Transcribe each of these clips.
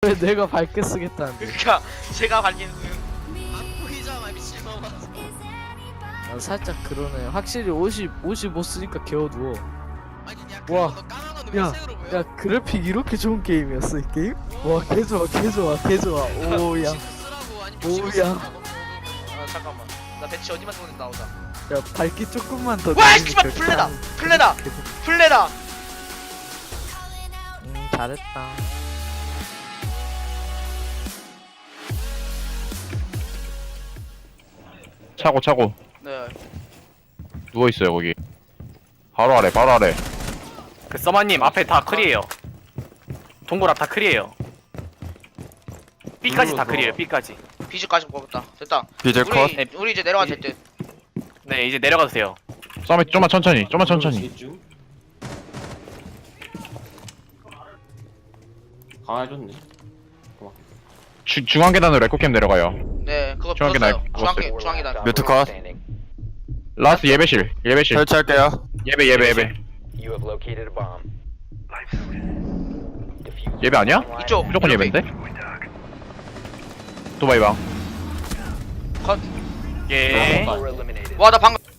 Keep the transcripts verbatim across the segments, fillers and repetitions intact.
왜 내가 밝게 쓰겠다는데. 그니까 제가 밝히는 안 보이잖아 미친놈아. 아, 살짝 그러네. 확실히 옷이 옷이 못 쓰니까 겨워두워. 아니 야 와. 그거 너 까만 건데 야, 왜 색으로 보여? 야 그래픽 이렇게 좋은 게임이었어 이 게임? 와 개좋아 개좋아 개좋아. 오야. 신고 쓰라고 아니 오야. 신고 쓰라고. 아 잠깐만 나 배치 어디만 들어오는지 나오자. 야 밝기 조금만 더. 와 늘리니까 씨발 플레다 그냥 플레다 계속- 플레다. 음 잘했다. 차고 차고 네. 누워있어요 거기. 바로 아래 바로 아래. 그 서마님 앞에 다 클이에요. 동굴 앞 다 클이에요. B까지 다 클이에요. B까지. 비즈까지 먹었다. 됐다. 비질 컷. 우리 우리 이제 내려가도 될 듯. 네 이제 내려가도 돼요. 썸이 좀만 천천히 좀만 천천히. 강화해줬네. 주, 중앙 계단으로 에코캠 내려가요. 네 그거 중앙계 붙었어요. 날- 중앙계 중앙계단. 뮤트 컷. 라스트 예배실 예배실. 설치할게요. 예배 예배 예배. 예배 아니야? 이쪽. 무조건 이렇게. 예배인데? 도바이방. 컷. 예. 와 나 방금.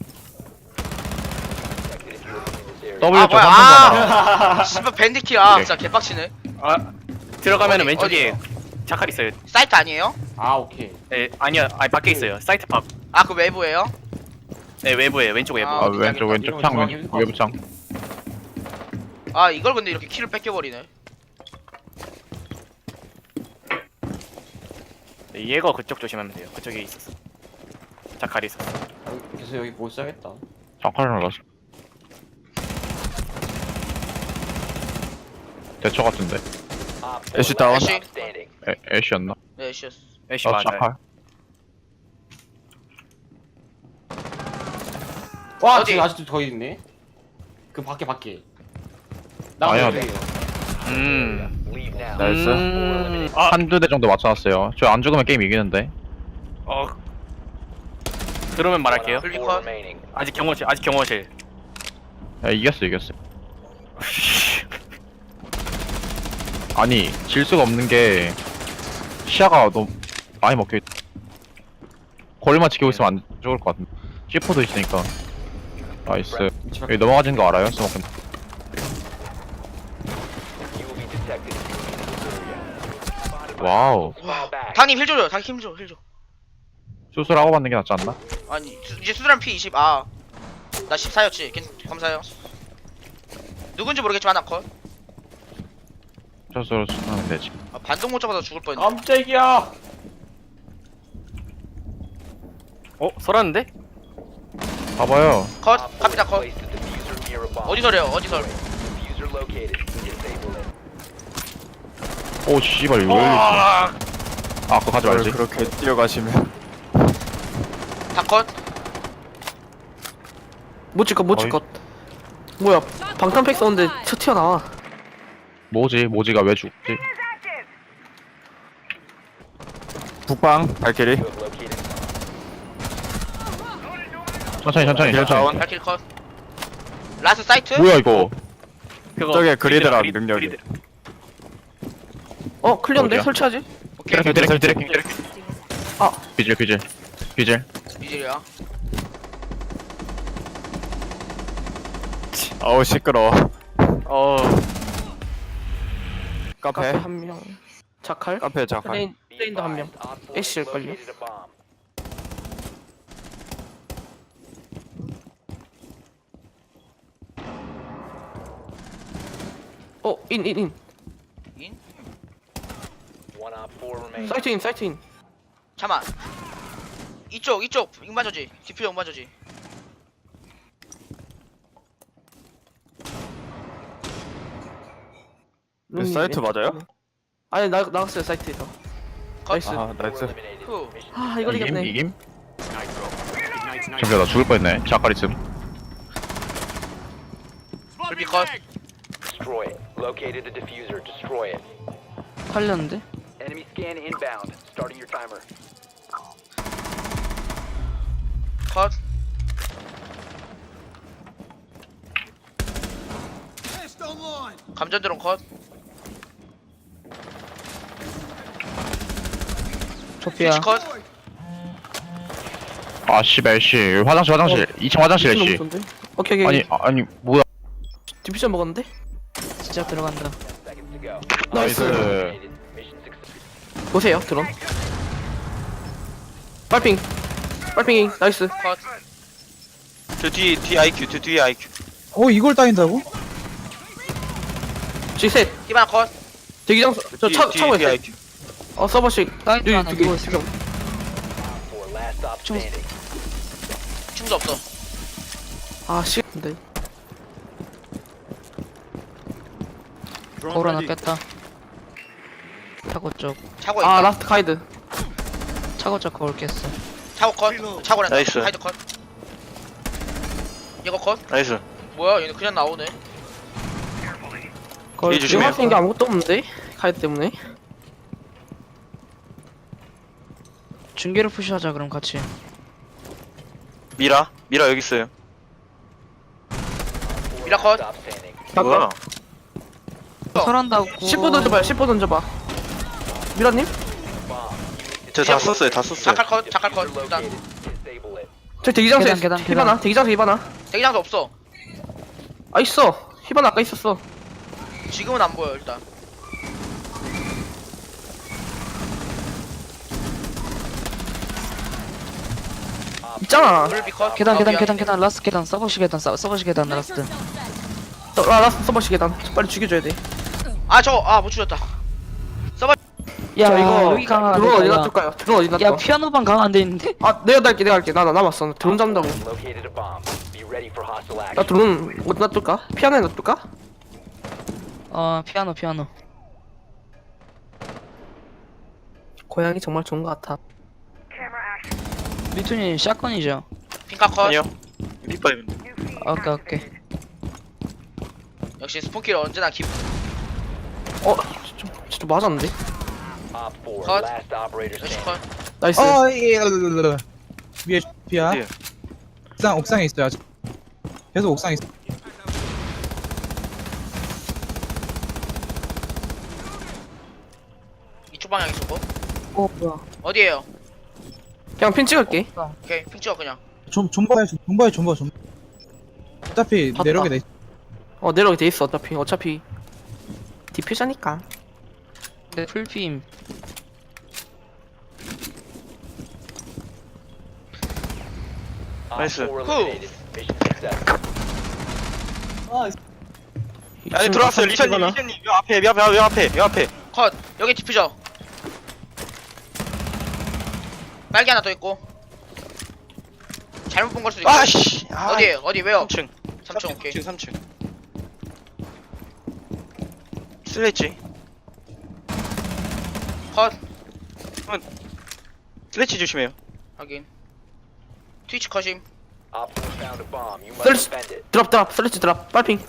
W 아 쪽 뭐야? 삼 번 아. 씨발 밴디킬 아 오케이. 진짜 개빡치네. 아 들어가면은 어디, 왼쪽에 어디요? 자칼 있어요. 사이트 아니에요? 아 오케이. 네 아니요 아니 밖에 있어요. 사이트 밖. 아 그 외부예요? 네 외부에 왼쪽 외부. 아, 아 왼쪽 왼쪽 창 이런 왼쪽 거 외부 창. 아 이걸 근데 이렇게 키를 뺏겨버리네. 네, 얘가 그쪽 조심하면 돼요. 그쪽에 있었어. 자칼이 있었어. 계속 여기 못 사겠다. 창칼 날랐어. 대처 같은데. 애쉬 다운. 애쉬. 애 애쉬였나? 네 애쉬였어. 애쉬 아 맞아요. 창칼. 와 어디? 지금 아직도 더 있네. 그 밖에 밖에. 아니야. 여기. 음. 나이스. 음. 아 한두 대 정도 맞춰놨어요. 저 안 죽으면 게임 이기는데. 어. 그러면 말할게요. 블리컷. 아직 경호실 아직 경호실. 야 이겼어 이겼어. 아니 질 수가 없는 게 시야가 너무 많이 먹혀있. 거리만 지키고 있으면 안 죽을 것 같은데. 씨포도 있으니까. 나이스. 여기 넘어가진 거 알아요? 스모크. 와우. 당님 힐 줘요. 당님 힘 줘. 힐 줘. 수술하고 받는 게 낫지 않나? 아니 수, 이제 수술한 피 이십. 아. 나 십사였지. 감사해요. 누군지 모르겠지만 나 컷. 수술 수술하면 되지. 아, 반동 못 잡아서 죽을 뻔했네. 깜짝이야. 어 설았는데? 봐봐요. 컷. 갑니다 컷. 어디서래요? 어디서? 오 씨발 이거 왜 이렇게. 와. 아 그거 가지 말지. 그렇게 뛰어가시면. 다 컷. 못찍것 못찍것. 뭐야 방탄팩 썼는데 쳐 튀어나와. 뭐지? 모지가 왜 죽지? 북방 발키리. 천천히 천천히 길 천천히. 다운. 발킬 컷. 라스 사이트? 뭐야 이거? 그거 저게 그리드라 그리드, 능력이. 그리드. 어 클리어인데 어디야? 설치하지? 오케이. 드래킹 드래킹 드래킹 드래킹. 아. 비질 비질 비질. 이질이야. 어우 시끄러워. 어. 카페. 카페 한 명. 자칼. 카페 자칼. 플레인 플레인도 한 명. 애쉬일걸요? 어, 인, 인, 인. 인? 사이트 인, 사이트 인. 잠만. 이쪽 이쪽 잉마저지. 디퓨저 잉마저지. 룸님 사이트 왼쪽. 맞아요? 아니, 나, 나갔어요, 사이트에서. 컷. 나이스. 아 나이스. 후. 아, 이걸 이김 이겼네. 이김. 잠시만 나 죽을 뻔했네. 자칼 있음. 불비 컷. Destroy it. Located the diffuser. Destroy it. 팔렸는데? Enemy scan inbound. Starting your timer. 컷. 감전 드론 컷. 소피아. 스위치 컷. 아 씨발 씨 화장실 화장실 이 층 화장실 미친 씨 놈 쏜데? 오케이 오케이. 아니 아, 아니 뭐야 디피션 먹었는데? 진짜 들어간다. Seconds to go. 나이스 Mission success. 보세요 드론. 빨핑. 빨핑이 나이스. 컷. 저 뒤에 뒤에 아이큐 저 뒤에 아이큐 어 이걸 따인다고? G 셋. 히바나 컷. 대기장 저 뒤에, 차, 뒤에, 차고에 뒤에 있어요. 아이큐 어 서버식. 사이트 하나 두개 누워 있어. 지금. For last stop standing. 충도 없어. 아 씨. 근데 거울 하나 깼다. 차고 쪽. 차고 있다. 아 라스트 가이드. 차고 쪽 거울 깼어. 차고 컷. 차고란다. 나이스. 하이드 컷. 이거 컷. 나이스 뭐야 얘네 그냥 나오네. 거울 이 지금 조심해요. 할 수 있는 게 아무것도 없는데 가이드 때문에. 중계를 푸시하자 그럼 같이. 미라 미라 여기 있어요 미라 컷. Stop standing. 뭐야 설한다고. 십 호 던져봐요. 십 호 던져봐. 미라님? 저 다 썼어요 다 썼어요 자칼 컷. 자칼 컷. Diffuser 일단 located. Disable it. 저 대기장소에 계단, 계단, 히바나. 계단. 대기장소 히바나. 대기장도 없어. 아 있어. 히바나 아까 있었어. 지금은 안 보여 일단. 있잖아. 물비 컷. 계단 어, 계단 미안. 계단 계단 라스트 계단 서버시 계단 서- 서버시 계단 라스트. 저, 아 라스트 서버식 계단. 저 빨리 죽여줘야 돼. 아 저거 아못 죽였다. 야 자 이거 여기 강화 안 드론 어디 돼. 놔둘까요? 드론 어디 야 놔둘까? 피아노방 강화 안 돼 있는데? 아 내가 갈게 내가 갈게. 나 나 남았어. 나 드론 잡는다고. Located a bomb. Be ready for hostile 나 action. 드론 어디 놔둘까? 피아노에 놔둘까? 어 피아노 피아노. 고양이 정말 좋은 것 같아. 리투님 샷건이죠? 핑카 컷. 아니요 빗바이브 오케이 오케이. 역시 스폰키를 언제나 기. 어? 진짜, 진짜 맞았는데? Op four. 컷. Last operator 역시 standing. 컷. 나이스. 어 예, 위에 피야. 어디요? 옥상 옥상에 있어요 아직. 계속 옥상에 있어. 이쪽 방향 있었고. 어 뭐야? 어디에요? 그냥 핀 찍을게. 오케이 핑 찍어 그냥. 좀 존버해 좀- 존버해 존버 존. 어차피 봤다. 내려오게 돼. 있- 어 내려오게 돼 있어 어차피. 어차피 디퓨저니까. 근데 풀빔. Op 나이스. four 후. eliminated. Mission success. 아니 들어왔어요 리샤님 리샤님 요 앞에 요 앞에 요 앞에 요 앞에 컷. 여기 디퓨저. 빨개 하나 더 있고. 잘못 본 걸 수도 있고. 아씨 아, 어디에요? 어디 왜요? 삼 층 삼 층 오케이. 삼 층 슬래치 컷. 슬래치 조심해요 확인. 트위치 컷임. Op four found a bomb. You must There's- defend it. 드랍 드랍 슬래치 드랍. 빨핑.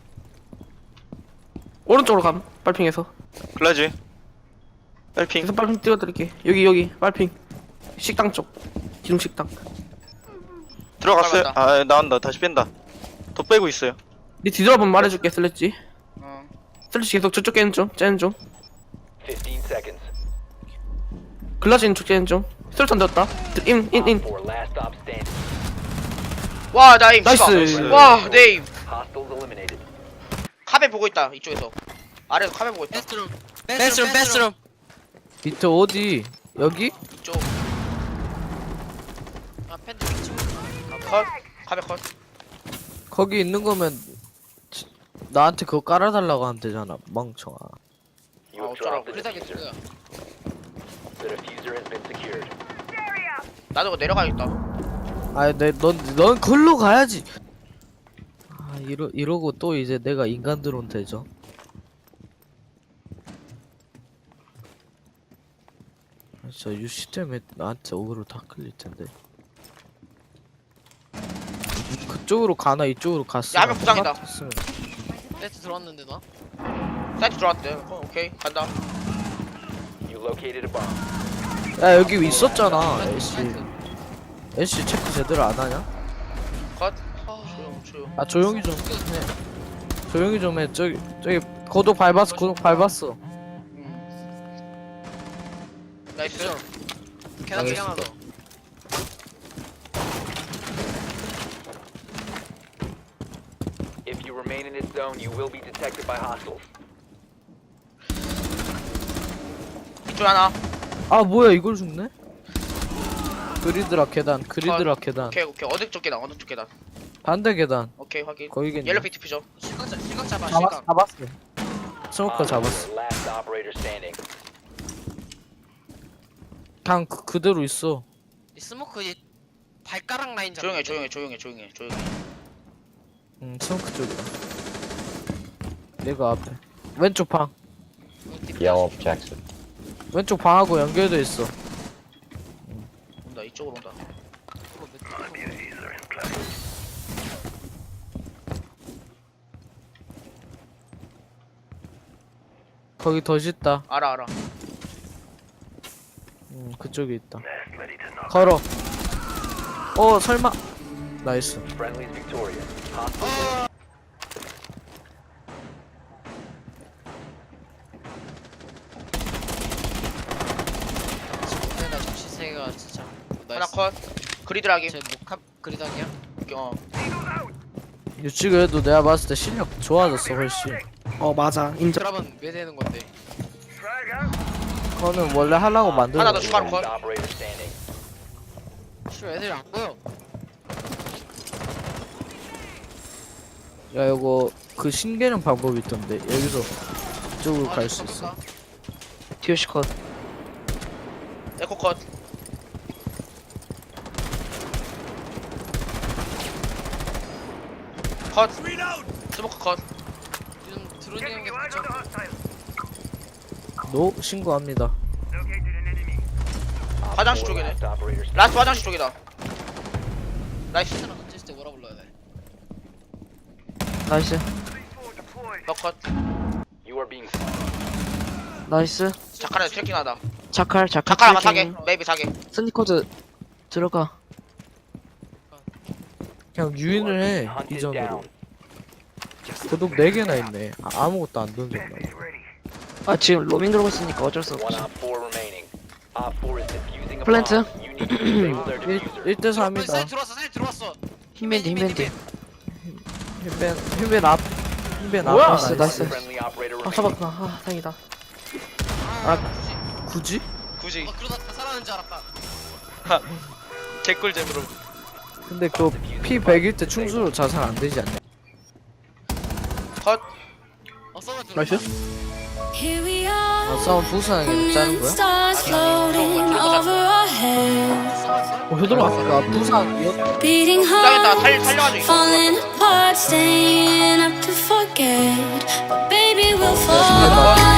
오른쪽으로 감. 빨핑에서. 글라즈 빨핑 계속 빨핑 띄워드릴게. 여기 여기 빨핑. 식당 쪽. 기둥 식당. 들어갔어요 빨랐다. 아 나온다 다시 뺀다 더 빼고 있어요 네 뒤돌아보면 말해줄게 슬래치. 어. 슬래치 계속 저쪽 깨는 중. 째는 중. fifteen seconds. 글라즈 있는 쪽 째는 중. 슬래치 안 되었다. 인 인 Op 인. four. Last stop standing. 와 나임. 나이스. 씨발. 와 네임. Hostiles eliminated. 카베 보고 있다 이쪽에서. 아래에서 카베 보고 있다. 베스룸 베스룸. 밑에 어디? 여기? 이쪽. 아 팬들. 컷. 카베 컷. 거기 있는 거면 지- 나한테 그거 깔아달라고 하면 되잖아 멍청아. You 아 have dropped 어쩌라고. the diffuser. The diffuser has been secured. 나도 그거 내려가야겠다. 아니 내넌넌 걸로 가야지. 아 이러 이러고 또 이제 내가 인간 드론 되죠. 아, 진짜 유씨 때문에 나한테 오그로 다 끌릴 텐데. 그쪽으로 가나 이쪽으로 갔어. 야, 한명 부상이다. 세트 들어왔는데 나? 사이트 들어왔대. 어, 오케이 간다. You located a bomb. 야 여기 있었잖아. 애쉬 애쉬 체크 제대로 안 하냐? 컷. 조용 조용. 아 조용히 좀 해. 조용히 좀 해. 저기 저기 고독 밟았어. 고독 밟았어. 음. 나이스. 계단 쪽에 하나 더. If you remain in this zone, you will be detected by hostiles. 이쪽 하나. 아 뭐야 이걸 죽네? 그리드라 계단 그리드라 계단 오케이 오케이 어느 쪽 계단 어느 쪽 계단. 반대 계단 오케이 확인. 거기겠네. 옐로 피트 피죠. 실각 실각 잡아 잡았, 실각. 잡았어 스모커 Op 잡았어 four, last operator standing. 그냥 그, 그대로 있어. 이 스모크 이 발가락 라인 잡아. 조용해 조용해 조용해 조용해 조용해. 응 스모커 쪽이다. 내가 앞에 왼쪽 방 야오. 왼쪽 방하고 연결돼 있어. 온다 이쪽으로 온다. 거기 더 짙다. 알아 알아. 응 그쪽에 있다. 걸어. 어 설마. 나이스. Friendly's victorious. Hostiles. 나 정신 세계가 진짜. 하나 컷. 그리드라기. 제 목합 그리당이야? 어. 유치 그래도 내가 봤을 때 실력 좋아졌어 훨씬. 어 맞아 인정. 그러면 왜 되는 건데? 그거는 원래 하려고 만든 하나 더 거야. 추가로 Last 컷. operator standing. 씨 애들이 안 보여. 야 이거 그 신개념 방법이 있던데 여기서 이쪽으로 아, 갈 수 잠깐 있어. 볼까? 티오시 컷. 에코 컷. 컷. 스모크 컷. 요즘 드론이 형게 붙여. 노 신고합니다. Op 화장실 four, 쪽이네. last operator standing. 라스트 화장실 쪽이다. 나이스. 스나 던졌을 때 뭐라 불러야 돼? 나이스. 너 컷. You are being 나이스. 자카라 트래킹하다. 자칼 자칼. 자카라 아마 사게. 메이비 사게. 스니커즈 들어가. 그냥 유인을 해 hunted 이전으로. down. 구독 네 개나 있네. 아, 아무것도 안 던졌나. 아 지금 로밍 들어고 있으니까 어쩔 수 One 없어. op four remaining. Op four is defusing a Plant. bomb. You need to disable their diffuser. 일 대 사이 삼이다. 들어왔어 사이 들어왔어. 힘밴드 힘밴드. 힐벤 힐벤 앞 힐벤 앞. 뭐야? 나이스. 나이스. Friendly operator 아 remaining. 잡았구나. 아 다행이다. 아 굳이? 굳이? 굳이. 어, 그러다 다 살아나는 줄 알았다. 개꿀잼으로. 근데 그 피 백일 때 충수로 자살 안 되지 않냐? 컷. 어 써봐 들어. 나이스. Here we 아 are, 싸움 부산하게 짜는 거야? stars floating over our heads, 어 효들아 아까 부산 이었 beating 짱했다. 살 hearts, 살려가지고 이거. falling apart, staying up to forget. But baby, we'll fall.